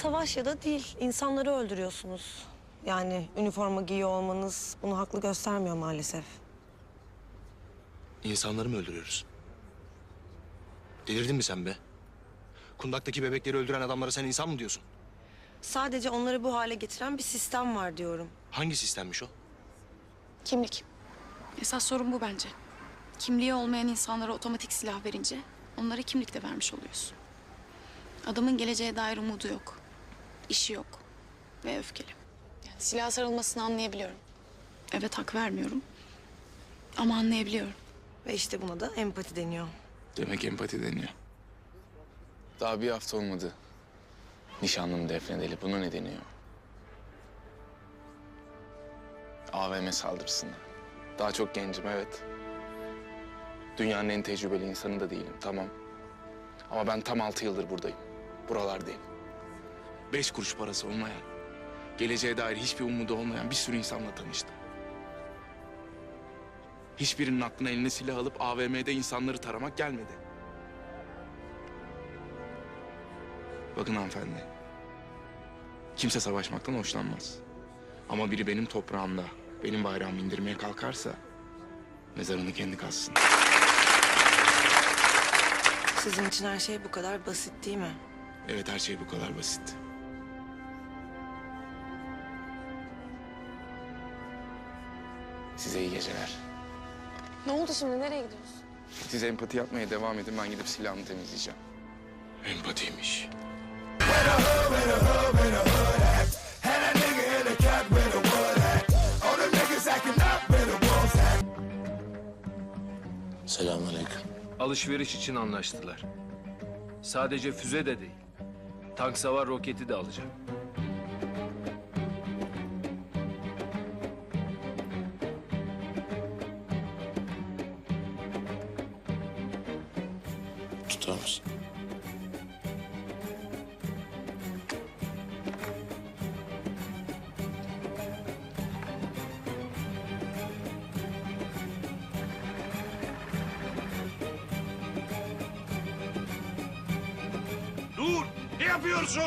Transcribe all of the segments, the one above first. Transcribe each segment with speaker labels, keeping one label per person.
Speaker 1: savaş ya da değil. İnsanları öldürüyorsunuz. Yani üniforma giyiyor olmanız bunu haklı göstermiyor maalesef.
Speaker 2: İnsanları mı öldürüyoruz? Delirdin mi sen be? Kundaktaki bebekleri öldüren adamlara sen insan mı diyorsun?
Speaker 1: Sadece onları bu hale getiren bir sistem var diyorum.
Speaker 2: Hangi sistemmiş o?
Speaker 3: Kimlik. Esas sorun bu bence. Kimliği olmayan insanlara otomatik silah verince onlara kimlik de vermiş oluyorsun. Adamın geleceğe dair umudu yok. İşi yok. Ve öfkeli. Yani silaha sarılmasını anlayabiliyorum. Evet, hak vermiyorum. Ama anlayabiliyorum.
Speaker 1: Ve işte buna da empati deniyor.
Speaker 4: Demek empati deniyor. Daha bir hafta olmadı. Nişanlım defnedeli. Buna ne deniyor? AVM saldırısına. Daha çok gencim, evet. Dünyanın en tecrübeli insanı da değilim, tamam. Ama ben tam 6 yıldır buradayım. Buralardayım. 5 kuruş parası olmayan, geleceğe dair hiçbir umudu olmayan bir sürü insanla tanıştım. Hiçbirinin aklına eline silah alıp AVM'de insanları taramak gelmedi. Bakın hanımefendi, kimse savaşmaktan hoşlanmaz. Ama biri benim toprağımda benim bayrağımı indirmeye kalkarsa mezarını kendi kazsın.
Speaker 1: Sizin için her şey bu kadar basit değil mi?
Speaker 4: Evet, her şey bu kadar basit. Size iyi geceler.
Speaker 3: Ne oldu şimdi? Nereye gidiyorsun?
Speaker 4: Siz empati yapmaya devam edin, ben gidip silahımı temizleyeceğim.
Speaker 2: Empatiymiş. Selamünaleyküm.
Speaker 5: Alışveriş için anlaştılar. Sadece füze de değil. Tank savar roketi de alacak.
Speaker 2: Tutar mısın?
Speaker 6: Dur! Ne yapıyorsun?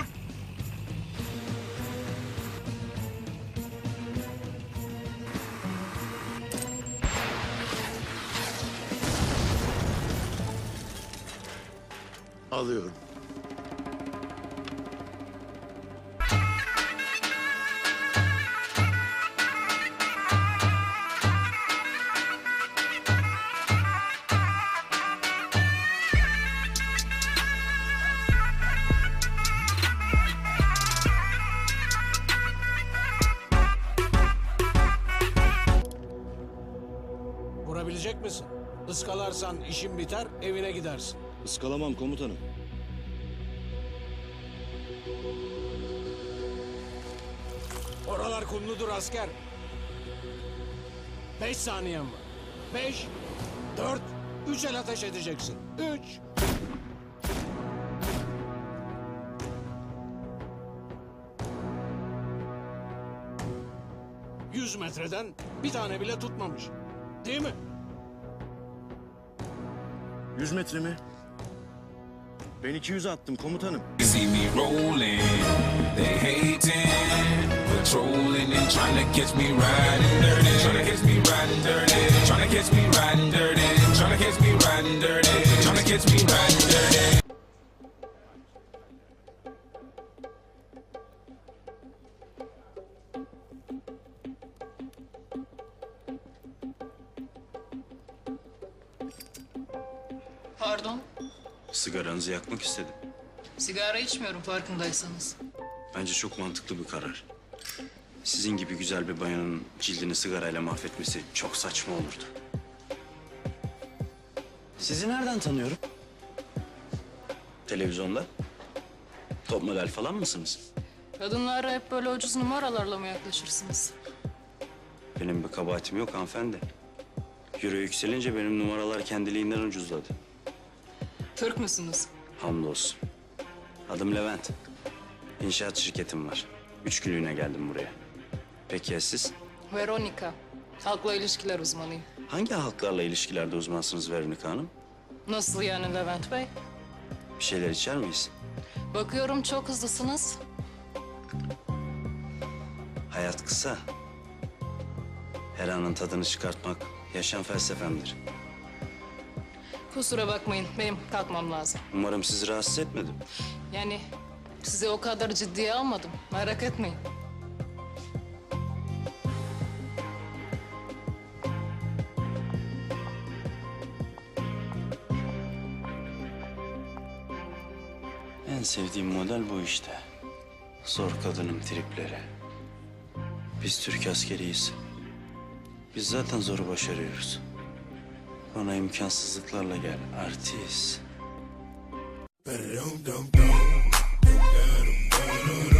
Speaker 2: Alıyorum.
Speaker 7: Vurabilecek misin? Iskalarsan işin biter, evine gidersin.
Speaker 8: Iskalamam komutanım.
Speaker 7: Oralar kumludur asker. 5 saniyen var. 5, 4, 3 el ateş edeceksin. 3. ...100 metreden bir tane bile tutmamış. Değil mi?
Speaker 8: 100 metre mi? Ben 200 attım komutanım.
Speaker 9: See me rolling, they hating, patrolling and trying to catch me riding dirty, trying to catch me riding dirty, trying to catch me riding dirty, trying to catch me riding dirty, trying to catch me riding dirty.
Speaker 10: Pardon,
Speaker 8: Sigaranızı yakmak istedim.
Speaker 10: sigara içmiyorum farkındaysanız.
Speaker 8: Bence çok mantıklı bir karar. Sizin gibi güzel bir bayanın cildini sigarayla mahvetmesi çok saçma olurdu. Sizi nereden tanıyorum? Televizyonda? Top model falan mısınız?
Speaker 10: Kadınlara hep böyle ucuz numaralarla mı yaklaşırsınız?
Speaker 8: Benim bir kabahatim yok hanımefendi. Euro yükselince benim numaralar kendiliğinden ucuzladı.
Speaker 10: Türk müsünüz?
Speaker 8: Hamdolsun. Adım Levent. İnşaat şirketim var. 3 günlüğüne geldim buraya. Peki ya siz?
Speaker 10: Veronica, halkla ilişkiler uzmanıyım.
Speaker 8: Hangi halklarla ilişkilerde uzmansınız Veronica Hanım?
Speaker 10: Nasıl yani Levent Bey?
Speaker 8: Bir şeyler içer miyiz?
Speaker 10: Bakıyorum çok hızlısınız.
Speaker 8: Hayat kısa. Her anın tadını çıkartmak yaşam felsefemdir.
Speaker 10: Kusura bakmayın, benim kalkmam lazım.
Speaker 8: Umarım sizi rahatsız etmedim.
Speaker 10: Yani sizi o kadar ciddiye almadım, merak etmeyin.
Speaker 8: En sevdiğim model bu işte. Zor kadının tripleri. Biz Türk askeriyiz. Biz zaten zoru başarıyoruz. Bana imkansızlıklarla gel, artist.